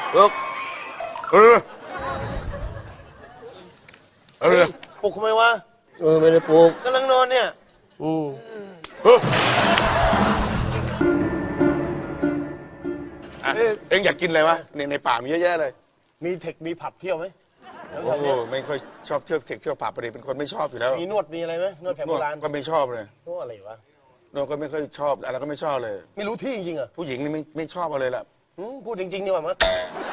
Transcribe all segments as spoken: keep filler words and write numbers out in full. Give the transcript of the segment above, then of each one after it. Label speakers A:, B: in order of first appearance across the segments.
A: ลุกเออเออ
B: ปลุกทำไมวะ
C: เออไม่ได้ปลุก
B: กำลังนอนเนี่ย
C: อืม
A: เออเอ็งอยากกินอะไรวะในในป่ามีเยอะแยะเลย
B: มีเทคมีผับเที่ยวไหม
A: โอ้โหไม่ค่อยชอบเที่ยวเทคเที่ยวผับประเดี๋ยวเป็นคนไม่ชอบอยู่แล้ว
B: มีนวดมีอะไรไหมนวดแผนโบราณ
A: ก็ไม่ชอบเลย
B: นวดอะไรวะ
A: นวดก็ไม่ค่อยชอบอะไรก็ไม่ชอบเลย
B: ไม่รู้ที่จริงๆอ่ะ
A: ผู้หญิงนี่ไม่ไม่ชอบเลยล่ะ
B: พูดจริงๆดีกว่ามั้ย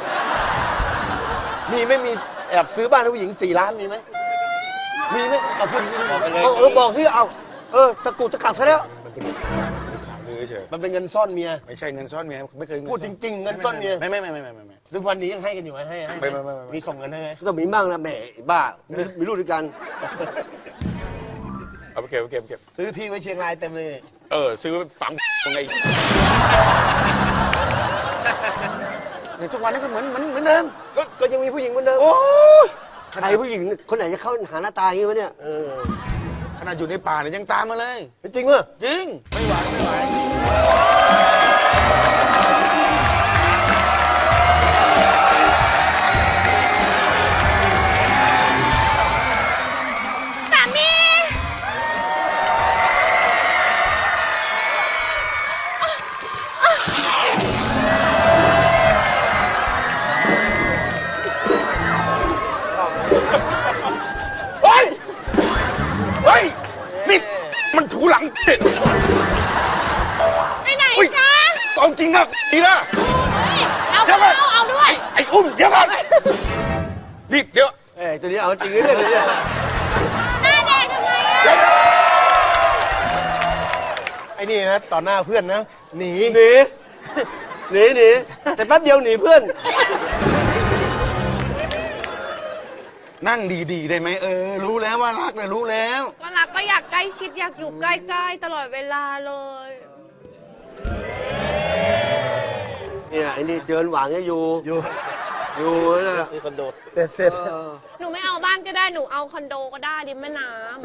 B: มีไม่มีแอบซื้อบ้านให้ผู้หญิงสี่ล้านมีไหมมีไหมเอาพูดจริงๆเออบอกที่เอาเออตะกุดตะกักซะแล้ว
A: ข่าวลือเฉย
B: มันเป็นเงินซ่อนเมีย
A: ไม่ใช่เงินซ่อนเมียไม่เคย
B: พูดจริงๆเงินซ่อนเมีย
A: ไม่ไม่ไม่ไม่ไม่ไม่
B: ทุกวันนี้ยังให้กันอยู่ไหมให้ให้
A: ไม่ไม่ไม่
B: มีส่งเงินให้ไหม
C: ก็มีบ้างนะแหมบ้ามีลูกด้วยกัน
A: เอาไปเก็บไปเก็บเก็บ
B: ซื้อที่ไว้เชียงรายเต็มเลย
A: เออซื้อฝังตรงไงเนี่ยทุกวันนี้ก็เหมือนเหมือนเหมือนเดิม
B: ก็ก็ยังมีผู้หญิงเหมือนเดิม
A: โอ้
C: ใครผู้หญิงคนไหนจะเข้าหาหน้าตาอย่างนี้วะเนี่ย
B: เออ
A: ขนาดอยู่ในป่าเนี่ยยังตามมาเลย
B: จริงเหรอ
A: จริง
B: ไม่ไหวไม่ไหว
A: มันถูหลังเด็ด
D: ไปไหนจ๊ะ
A: ตอนจริงนะดีนะ
D: เอาเอาเอาด้วย
A: ไอ้อุ้มเดี๋ยวก่อนรีบเดี๋ยว
C: เอ้ตัวนี้เอาจริงเลยตัวนี้
D: หน้าแดงทำไม
B: ไอ้นี่นะต่อหน้าเพื่อนนะหนี
C: หนีหนีหนีแต่แป๊บเดียวหนีเพื่อน
A: นั่งดีๆได้ไหมเออรู้แล้วว่ารักนะรู้แล้ว
D: ก็รักก็อยากใกล้ชิดอยากอยู่ใกล้ๆตลอดเวลาเลย
C: เนี่ยไอ้นี่เจินหวังจะอยู่
B: อยู่
C: อยู่นะ
B: ซื้อคอนโดเสร็จเสร็จ
D: หนูไม่เอาบ้านก็ได้หนูเอาคอนโดก็ได้ริมแม่น้ำ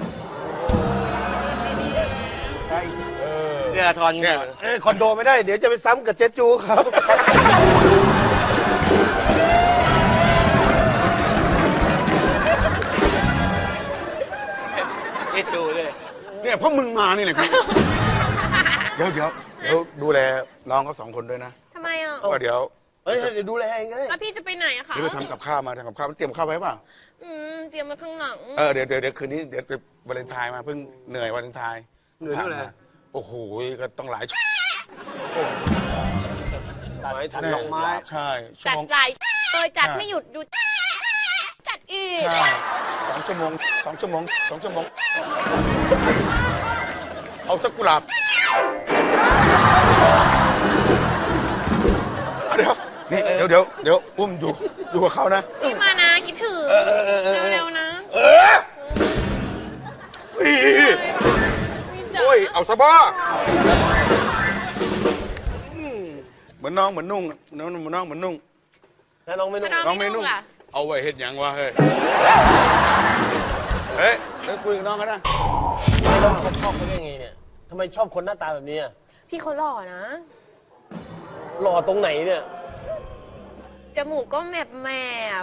B: ได้เออ
C: เนี่ยทอนเนี่ย
B: เออคอนโดไม่ได้เดี๋ยวจะไปซ้ำกับเจ๊จูเขา
C: ดูเลย
A: เนี่ยเพราะมึงมานี่แหละครับเดี๋ยวเดี๋ยวเดี๋ยวดูแลน้องเขาสองคนด้วยนะ
D: ทำไมอ่ะ
A: ก็เดี๋ยว
B: เฮ้ยเดี๋ยวดูแลเองไง
D: แล้วพี่จะไปไหนอะคะ
A: เดี๋ยวไปทำกับข้าวมาทำกับข้าวเตรียมข้าวไว้ป่ะ
D: อืมเตรียมมาข้างหลัง
A: เออเดี๋ยวเดี๋ยวเดี๋ยวคืนนี้เดี๋ยวไปวาเลนไทน์มาเพิ่งเหนื่อยวาเลนไทน์
C: เหนื่อยเท่าไหร่
A: โอ้โหก็ต้องหลายชั่ว
C: ตัดไม้ถัดดอกไม้
A: ใช่
D: จัดหลายเลยจัดไม่หยุดหยุดจัดอีก
A: สองชั่วโมงสองชั่วโมงสองชั่วโมงเอาสักกุหลาบเดี๋ยวนี่เดี๋ยวเดี๋ยวเดี๋ยวอุ้มอยู่อยู่กับเขานะ
D: พี่มานะคิดถึงเร็วๆนะ
A: เออโอ้ยเอาซะบ้าเหมือนน้องเหมือนนุ่งน้องเหมือนน้องเหมือนนุ่ง
B: แล้วน้องไม่นุ่ง
A: น้องไม่นุ่งเอาไว้เห็ดยังวะเฮ้ยเฮ้ยเดี๋ยวคุยกับน้องกันนะ
B: น้องเขาชอบเขาได้ไงเนี่ยทำไมชอบคนหน้าตาแบบนี้อ่ะ
D: พี่เขาหล่อนะ
B: หล่อตรงไหนเนี่ย
D: จมูกก็แมบแมบ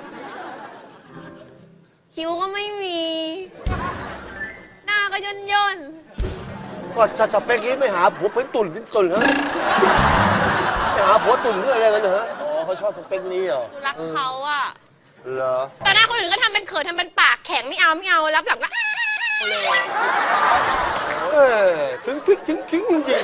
D: คิ้วก็ไม่มีหน้าก็ย่นย่น
B: ก็จะจะเป็นกี้ไม่หาผัวเป็นตุ่นเป็นตุ่นเหรอไม่หาผัวตุ่นเพื่ออะไรกันเหรออ๋อเขาชอบสเปคนี้เหรอ
D: รักเขาอ่ะ
B: เหรอ
D: ตอนหน้าคนอื่นก็ทำเป็นเขินทำเป็นปากแข็งไม่เอาไม่เอารับหลังก็เลย
B: เออถึงพริกถึงขิงจริง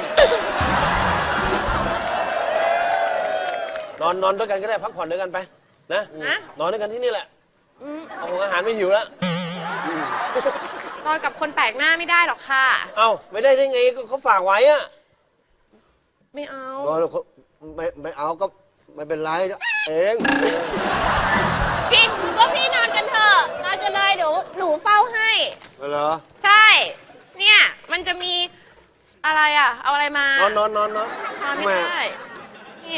B: นอนนอนด้วยกันก็ได้พักผ่อนด้วยกันไปนะนอนด้วยกันที่นี่แหละเอาอาหารไม่หิวแล้ว
D: นอนกับคนแปลกหน้าไม่ได้หรอกค่ะ
B: เอ้าไม่ได้ได้ไงก็เขาฝากไว้อะ
D: ไม่เอา
C: ไม่ไม่เอาก็ไม่เป็นไรเอง
D: พี่ว่าพี่นอนกันเถอะนอนกันเลยเดี๋ยวหนูเฝ้าให้
C: เหรอ
D: ใช่เนี่ยมันจะมีอะไรอ่ะเอาอะไรมาน
B: อนนอนนอนนอน
D: นอนไม่ได้นี่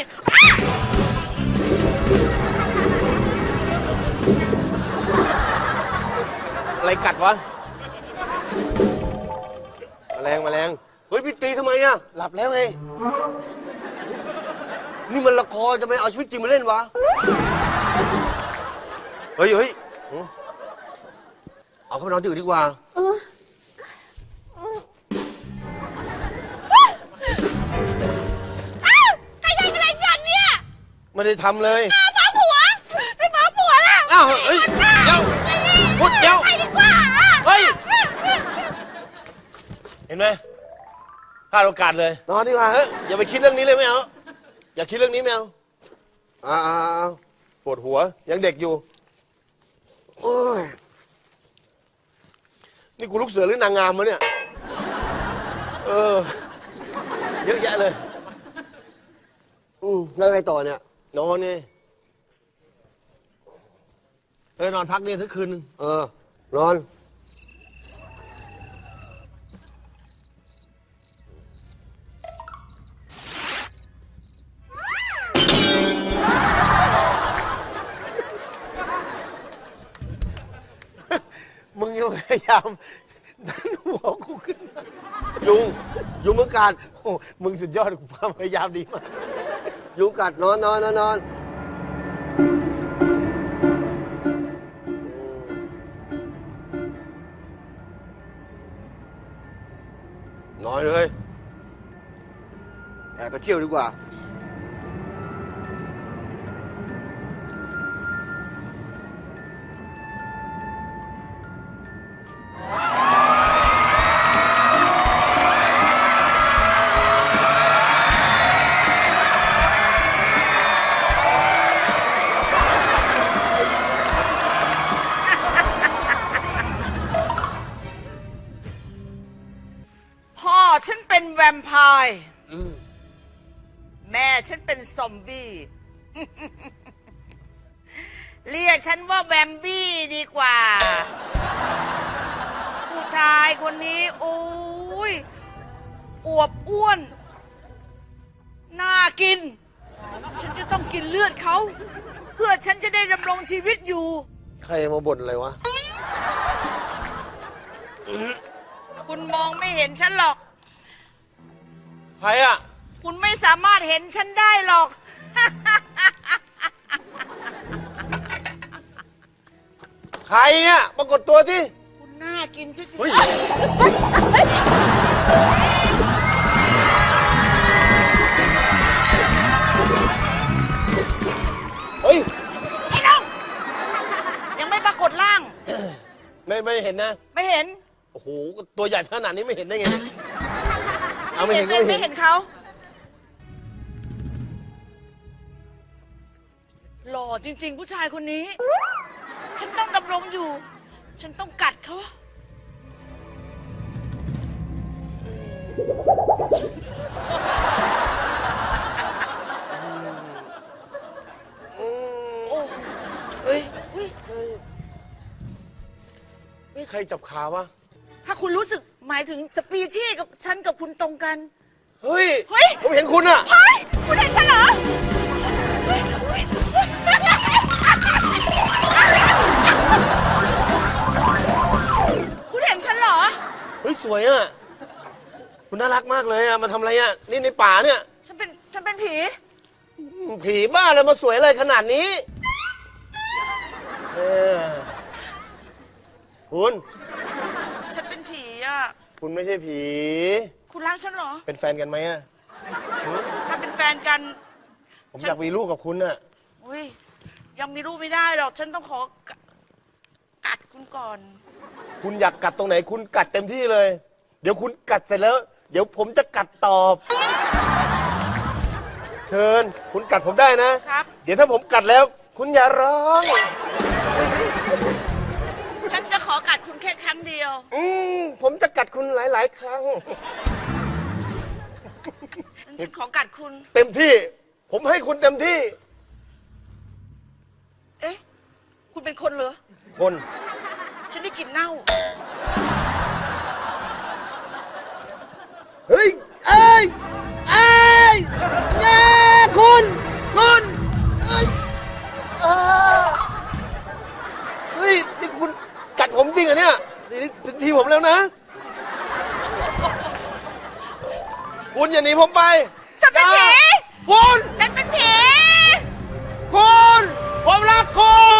B: อะไรกัดวะแมลงแมลง
C: เฮ้ยพี่ตีทำไมอ่ะ
B: หลับแล้วไง
C: นี่มันละครจะไปเอาชีวิตจริงมาเล่นวะเฮ้ยเฮ้ยเอาเข้าไปนอนที่อื่นดีกว่า
D: อ้าวใครทำอะไรฉันเนี่ย
B: ไม่ได้ทำเลย
D: อ้าวฟ้าผัวไม่ฟ้าผัวแล้ว
B: อ้าวเฮ้ยเดี๋ยวพุดเดี๋ยว
D: ไปดีกว่า
B: เฮ้ย เห็นไหมพลาดโอกาสเลย นอนดีกว่าเฮ้ยอย่าไปคิดเรื่องนี้เลยไม่เอา อย่าคิดเรื่องนี้ไม่เอาอ่าปวดหัว ยังเด็กอยู่
C: โอ้ย
B: นี่กูลูกเสือหรือนางงามวะเนี่ย เออ เยอะแยะเลย
C: อืมแล้วไงต่อเนี่ย
B: นอนนี่เออนอนพักนี่ทั้งคืนนึง
C: เออ นอน
B: มึงยังพยายามดันหัวกูขึ้นมา
C: ยุง ยุงเหมือนกัน
B: โอ้มึงสุดยอดความพยายามดีมาก
C: ยุงกัดนอนนอนนอนนอนนอนเลยแอบไปเที่ยวดีกว่า
E: พ่อฉันเป็นแวมไพร์แม่ฉันเป็นซอมบี้ เรียกฉันว่าแวมบี้ดีกว่า ผู้ชายคนนี้โอ้ยอวบอ้วน น่ากิน ฉันจะต้องกินเลือดเขา เพื่อฉันจะได้ดำรงชีวิตอยู่
B: ใครมาบ่นอะไรวะ
E: คุณมองไม่เห็นฉันหรอก
B: ใครอ่ะ
E: คุณไม่สามารถเห็นฉันได้หรอก
B: ใครเนี่ยปรากฏตัวที่
E: คุณน่ากินสิ
B: เฮ้ย เฮ้ย
E: ไอ้น้อง ยังไม่ปรากฏร่าง
B: ไม่ไม่เห็นนะ
E: ไม่เห็น
B: โอ้โห ตัวใหญ่ขนาดนี้ไม่เห็นได้ไงเนี่ยเอาไม่เห็นก็
E: ไม่
B: ไม่
E: ไม่
B: เห็
E: เห็
B: น
E: นเขาหล่อจริง ๆ ผู้ชายคนนี้ ฉันต้องดำรงอยู่ ฉันต้องกัดเขา โอ้
B: เฮ้ย เฮ้ย เฮ้ย เฮ้ย ใครจับขาวะ
E: ถ้าคุณรู้สึกหมายถึงสปีชีส์กับฉันกับคุณตรงกัน
B: เฮ้ย
E: เฮ้ย
B: ผมเห็นคุณอะ
E: เฮ้ย คุณเห็นฉันเหรอ คุณเห็นฉันเหรอ
B: เฮ้ย สวยอะคุณน่ารักมากเลยอะมาทำอะไรอะนี่ในป่าเนี่ย
E: ฉันเป็น ฉันเป็นผี
B: ผีบ้าเลยมาสวยอะไรขนาดนี้เออคุณ
E: ฉันเป็นผีอ่ะ
B: คุณไม่ใช่ผี
E: คุณรักฉันเหรอ
B: เป็นแฟนกันไหมอะ
E: ถ้าเป็นแฟนกัน
B: ผมอยากมีลูกกับคุณอะ
E: อุ้ย ยังมีลูกไม่ได้หรอก ฉันต้องขอ กัดคุณก่อน
B: คุณอยากกัดตรงไหน คุณกัดเต็มที่เลย เดี๋ยวคุณกัดเสร็จแล้ว เดี๋ยวผมจะกัดตอบ เชิญ คุณกัดผมได้นะ
E: ครับ
B: เดี๋ยวถ้าผมกัดแล้ว คุณอย่าร้อง
E: ฉันจะขอกัดคุณแค่ครั้งเดียว
B: อืมผมจะกัดคุณหลาย ๆ ครั้ง
E: ฉันขอกัดคุณ
B: เต็มที่ ผมให้คุณเต็มที่
E: เอ๊ะ คุณเป็นคนเหรอ
B: คน
E: ฉันได้กลิ่นเน่า
B: เฮ้ย เอ้ย เอ้ยแง่คุณ คุณเอ้ยอ่าเฮ้ย นี่คุณกัดผมจริงเหรอเนี่ยนี่ถึงทีผมแล้วนะ คุณอย่าหนีผมไป
E: ฉันเป็นผี
B: คุณ
E: ฉันเป็นผี
B: คคุณ ผมรักคุณ